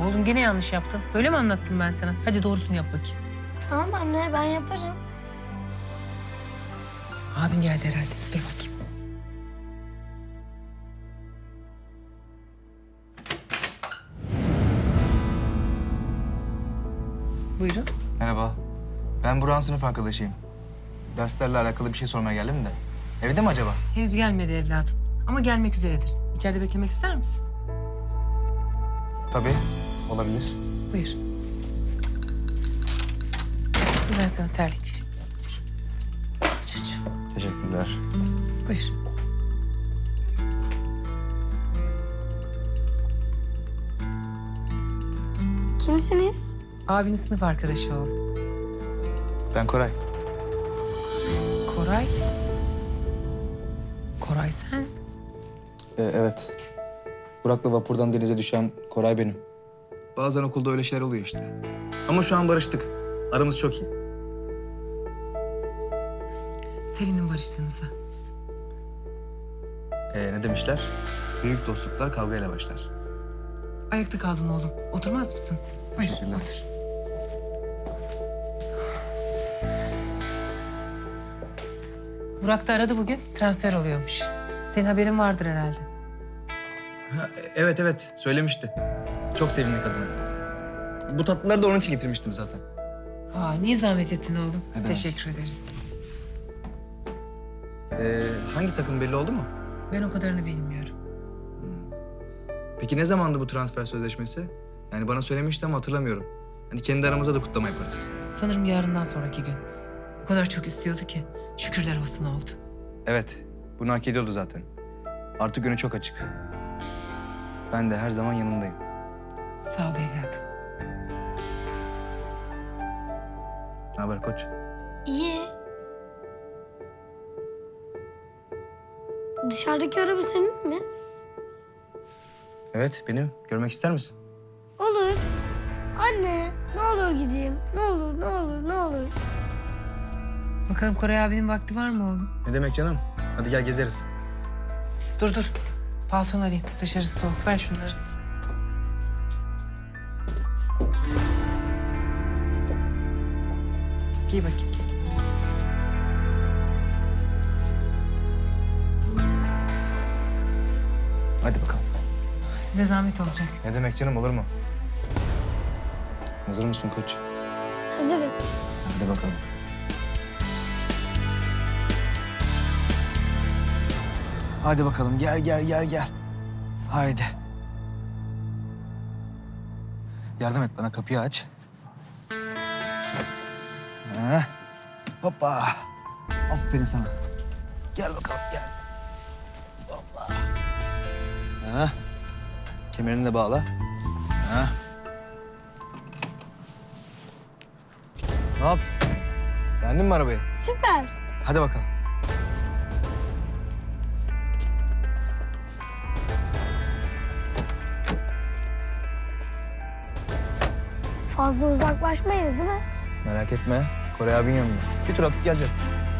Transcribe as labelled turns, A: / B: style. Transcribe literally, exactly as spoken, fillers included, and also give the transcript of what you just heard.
A: Oğlum gene yanlış yaptın. Böyle mi anlattım ben sana? Hadi doğrusunu yap bakayım.
B: Tamam anne, ben yaparım.
A: Abin geldi herhalde. Dur bakayım. Buyurun.
C: Merhaba. Ben Burak'ın sınıf arkadaşıyım. Derslerle alakalı bir şey sormaya geldim de. Evde mi acaba?
A: Henüz gelmedi evladım. Ama gelmek üzeredir. İçeride beklemek ister misin?
C: Tabii. Olabilir.
A: Buyur. Dur ben sana terlik vereyim. Al çocuğum.
C: Teşekkürler.
A: Buyur.
B: Kimsiniz?
A: Abinin sınıf arkadaşı oğlum.
C: Ben Koray.
A: Koray. Koray sen.
C: Ee, evet. Burak'la vapurdan denize düşen Koray benim. Bazen okulda öyle şeyler oluyor işte. Ama şu an barıştık. Aramız çok iyi.
A: Sevindim barıştığınıza.
C: Ee, ne demişler? Büyük dostluklar kavgayla başlar.
A: Ayakta kaldın oğlum. Oturmaz mısın? Buyur,
C: Teşekkürler.
A: otur. Burak da aradı bugün. Transfer oluyormuş. Senin haberin vardır herhalde.
C: Ha, evet evet söylemişti. Çok sevindi kadına. Bu tatlıları da onun için getirmiştim zaten.
A: Aa, niye zahmet ettin oğlum?
C: Ne demek?
A: Teşekkür ederiz.
C: Ee, hangi takım belli oldu mu?
A: Ben o kadarını bilmiyorum.
C: Peki ne zamandı bu transfer sözleşmesi? Yani bana söylemişti ama hatırlamıyorum. Hani kendi aramızda da kutlama yaparız.
A: Sanırım yarından sonraki gün. O kadar çok istiyordu ki. Şükürler olsun oldu.
C: Evet, bunu hak ediyordu zaten. Artık önü çok açık. Ben de her zaman yanındayım.
A: Sağ ol evladım.
C: Ne haber koç?
B: İyi. Dışarıdaki araba senin mi?
C: Evet, benim. Görmek ister misin?
B: Olur. Anne, ne olur gideyim. Ne olur, ne olur, ne olur.
A: Bakalım Koray abinin vakti var mı oğlum?
C: Ne demek canım? Hadi gel gezeriz.
A: Dur dur. Paltonu alayım. Dışarısı soğuk. Ver şunları. Giy bakayım.
C: Hadi bakalım.
A: Size zahmet olacak.
C: Ne demek canım, olur mu? Hazır mısın koç?
B: Hazırım.
C: Hadi bakalım. Hadi bakalım, gel gel gel gel. Haydi. Yardım et bana, kapıyı aç. Ha. Hoppa. Aferin sana. Gel bakalım, gel. Hoppa. Ha. Kemerini de bağla. Ha. Ne yap? Beğendin mi arabayı?
B: Süper.
C: Hadi bakalım.
B: Fazla uzaklaşmayız değil mi?
C: Merak etme. Koray abinin yanında. Bir tur atıp geleceğiz.